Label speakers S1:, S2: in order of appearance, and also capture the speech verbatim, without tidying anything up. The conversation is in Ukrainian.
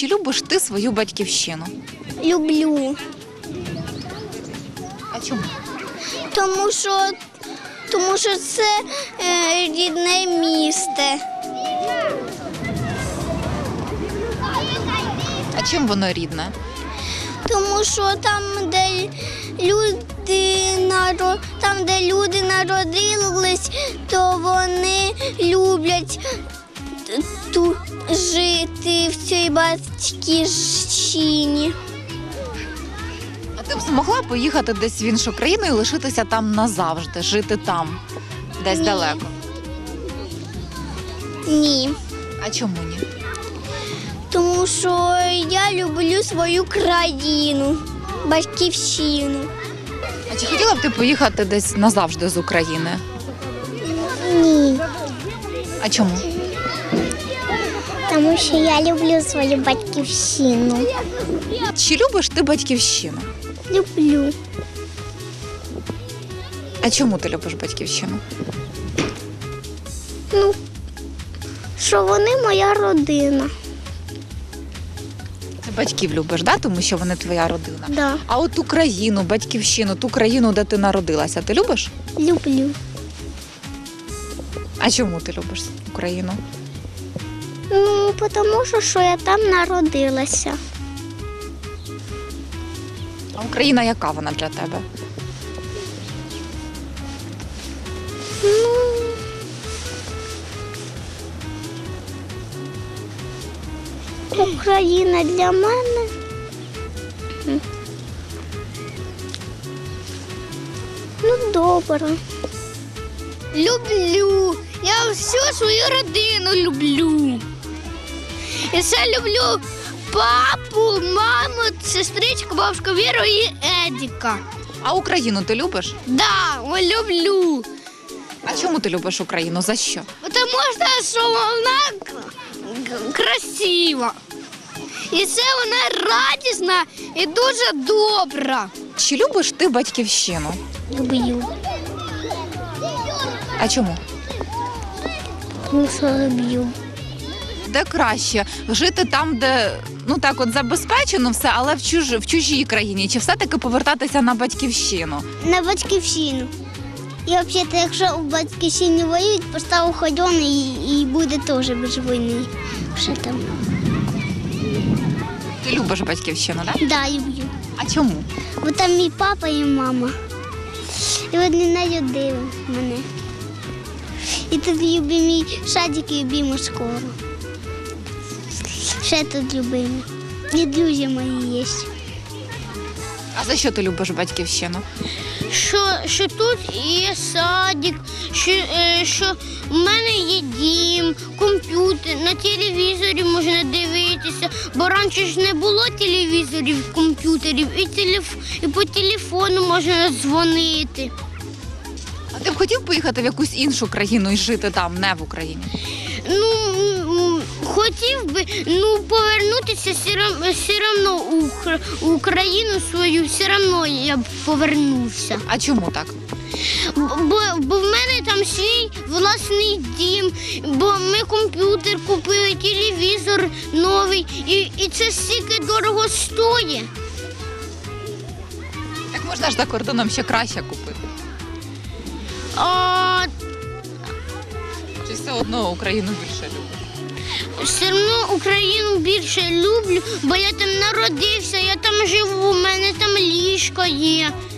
S1: Чи любиш ти свою батьківщину?
S2: Люблю.
S1: А чому?
S2: Тому що, тому що це е, рідне місто.
S1: А чим воно рідне?
S2: Тому що там, де люди наро... там, де люди народились, то вони люблять тут жити в цій батьківщині.
S1: А ти б змогла поїхати десь в іншу країну і лишитися там назавжди, жити там, десь
S2: Ні.
S1: далеко?
S2: Ні.
S1: А чому ні?
S2: Тому що я люблю свою країну, батьківщину.
S1: А чи хотіла б ти поїхати десь назавжди з України?
S2: Ні.
S1: А чому?
S2: Тому що я люблю свою батьківщину.
S1: Чи любиш ти батьківщину?
S2: Люблю.
S1: А чому ти любиш батьківщину?
S2: Ну, що вони моя родина.
S1: Ти батьків любиш, да? Тому що вони твоя родина.
S2: Да.
S1: А от Україну, батьківщину, ту країну, де ти народилася, ти любиш?
S2: Люблю.
S1: А чому ти любиш Україну?
S2: Ну, тому що, що я там народилася.
S1: А Україна яка вона для тебе?
S2: Ну, Україна для мене. Ну, добре. Люблю. Я всю свою родину люблю. І ще люблю папу, маму, сестричку, бабушку Віру і Едіка.
S1: А Україну ти любиш?
S2: Да, люблю.
S1: А чому ти любиш Україну? За що?
S2: Тому що вона к- красива. І це вона радісна і дуже добра.
S1: Чи любиш ти батьківщину?
S2: Люблю.
S1: А чому?
S2: Ну, що люблю.
S1: Де краще? Жити там, де ну так от забезпечено все, але в, чуж... в чужій країні? Чи все-таки повертатися на батьківщину?
S2: На батьківщину. І взагалі, якщо у батьківщині воюють, постав ходон і, і буде теж без війни. Що там?
S1: Ти любиш батьківщину, так?
S2: Да, люблю.
S1: А чому?
S2: Бо там мій папа і мама. І вони народили мене. І тут любимий садик і любиму школу. Ще тут любимі. І друзі мої є.
S1: А за що ти любиш батьківщину?
S2: Що, що тут є садик, що, е, що в мене є дім, комп'ютер, на телевізорі можна дивитися, бо раніше ж не було телевізорів, комп'ютерів, і, телеф, і по телефону можна дзвонити.
S1: А ти б хотів поїхати в якусь іншу країну і жити там, не в Україні?
S2: Ну, м, хотів би, ну, повернутися все рам- все одно у Укра- у Україну свою, все одно я б повернувся.
S1: А чому так?
S2: Бо, бо в мене там свій власний дім, бо ми комп'ютер купили, телевізор новий, і, і це стільки дорого стоїть.
S1: Так можна ж за кордоном ще краще купити.
S2: А
S1: Чи все одно Україну більше любиш?
S2: все одно Україну більше люблю, бо я там народився, я там живу, у мене там ліжко є.